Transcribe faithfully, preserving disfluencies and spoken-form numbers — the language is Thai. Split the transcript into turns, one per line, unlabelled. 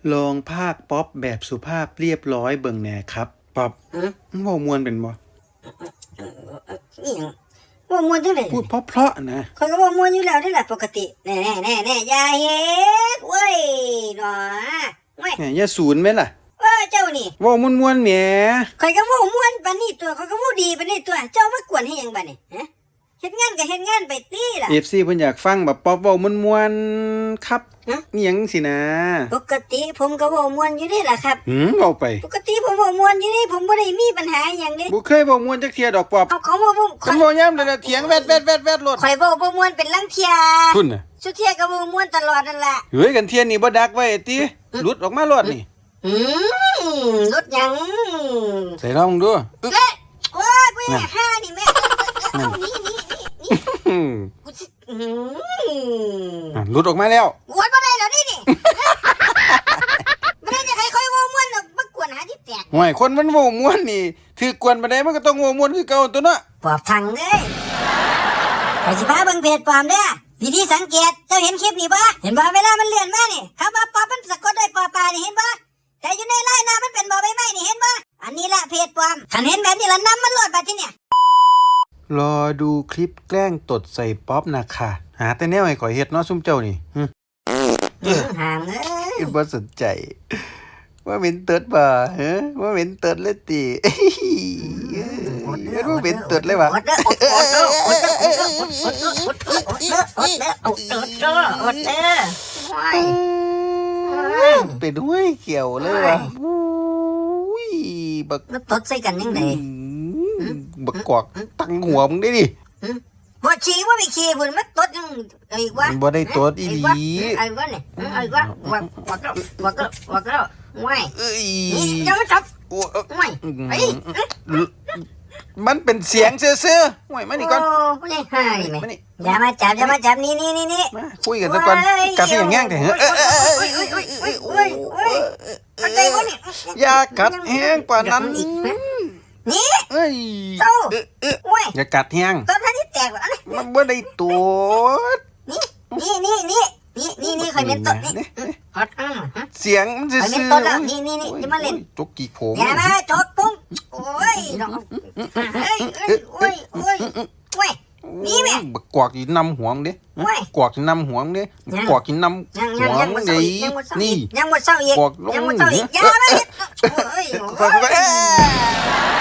ลองพากย์ป๊อปแบบสุภาพเรียบร้อยเบิ่งแหน่ครับป๊อปเว้ามวนเป็นบ่
อีหยังเว้ามวนจังได๋
พูดเพราะๆนะ
ข้อยก็เว้ามวนอยู่แล้วนี่แหละปกติแน่ๆๆๆอย่าเฮ็ดเว้ยหนอเว้ย
แหมอย่าศูนย์แม่ล่ะ
เออเจ้านี่
เว้ามวนๆแหม
ข้อยก็เว้าม่วนปานนี้ตัวข้อยก็เว้าดีปานนี้ตัวเจ้ามากวนให้หยังบัดนี้ฮะเฮ็ดงานก็เฮ็ดงานไปติล่ะ
เอฟ ซี เพิ่นอยากฟังแบบป๊อปเว้ามวนๆครับนี่หยังสินะ
ปกติผมก็เว้าม่วนอยู่นี่ล่ะครับ
หืมเว้าไป
ปกติผมเว้าม่วนอยู่นี่ผมบ่ได้มีปัญหาหยังเด้
บ่เคยเว้ามวนจักเที่ยดอกป๊อป
เอาเขาเว้าบ่
คันเว้ายามใดน่ะเถียงแวดๆๆๆโลด
ข่อยเว้าบ่ม่วนเป็นลังเที่ย
พุ่นน่ะ
สุเที่ยก็เว้าม่วนตลอดนั่นล่ะ
เฮ้ยกันเที่ยนี้บ่ดักไว้ติหลุดออกมาโลดนี่
อืมรถยัง
ใส่ลองดู
เอ้ยโอ้ยบ่อยากฆ่านี่แม่เอานี่นี่นี่กูสิอื
มหลุดออกมาแล้ว
โอ้ยบ่ได้แล้วนี่นี่บ่ได้จะให้ค่อยเว้าม่วนมากวนหาที่แตก
ห่วยคนมันเว้าม่วนนี่ถือกวนปานใดมันก็ต้องเว้าม่วนคือเก่าตัวเนาะ
ปอบทังเอ้ยข้อยสิพาเบิ่งเพจปลอมเด้อวิธีสังเกตเจ้าเห็นคลิปนี่บ่เห็นบ่เวลามันเลื่อนมานี่คำว่าปอบมันสะกดด้วยปอปลานี่เห็นบ่แต่อยู่ในไลน์หน้ามันเป็นบ่อใบไม้นี่เห็นบ่อันนี้ละเพจปลอมคันเห็นแบบนี้ละนำมันโหลดบัดทีเนี่ย
รอดูคลิปแกล้งตดใส่ป๊อปนะค่ะหาแต่แนวให้ข่อยเฮ็ดเนาะซุมเจ้านี่หึ
ห่างเอ้ย
บ่สนใจว่าเหม็นตดบ่ฮะว่าเหม็นตดเลยติเฮ็ดบ่เหม็นตดเลยว่ะ
อดเด้ออดเด้ออดเด้ออดเด้ออดเด้ออดเด้ออดเด้ออดเด้ออดเด้ออดเด้ออดเด้อว้าย
เป็นห้วยเขียวเลยว่ะอุ้ยบัก
มันตดใส่กันยังไง
บักกอกตั้งหัวมึงได้ดิ
บ่ขี้บ่ไปขี้พุ่นมันตดยังอีกวะ
บ่ได้ตดอีหลี
ไอ้วะนี่ไอ้วะว่าว่าก็ว่าก็ว่าก็ว้าย
เอ้ย
ยังไม่จับว้ายไอ้
มันเป็นเสียงซื่อๆห่วยมานี่ก่อน
โอ้ยห่านี่แม่อย่ามาจับอย่ามาจับนี่นี่นี่นี่
มาคุยกันซะก่อนกัดสิอย่างแง่งแต่เฮ้ย
โอ้ยโอ้ยโอ้ยโอ้ยโอ้ยโอ้ยอะไรวะนี่
อย่ากัดแห้งกว่านั้น
นี่
เอ้ย
โตโอ้ย
อย่ากัดแห้ง
ตอนนั้นที่แตกวะ
มันบ่ได้ตัว
นี่นี่นี่นี่นี่นี่นี่เคยเป็นต้นนี่ฮอตอ่ะ
เสียงมันซื่อๆเคยเป็น
ต้นแล้วนี่นี่นี่จะมาเล่น
จกกี่โผล่
อย่ามาจกปุ้งโอ้ยน้องเอ้ยเอ้ยโอ้ยโอ้ยโอ้ยนี่แม่
บักกวกกินนำหัวมึงดิกวกกินนำหัวมึงดิกวกกินนำหัวมึงดินี่
ยังหมดเศร้าอีกยังหมดเศร้าอีกอย่ามาโอ้ย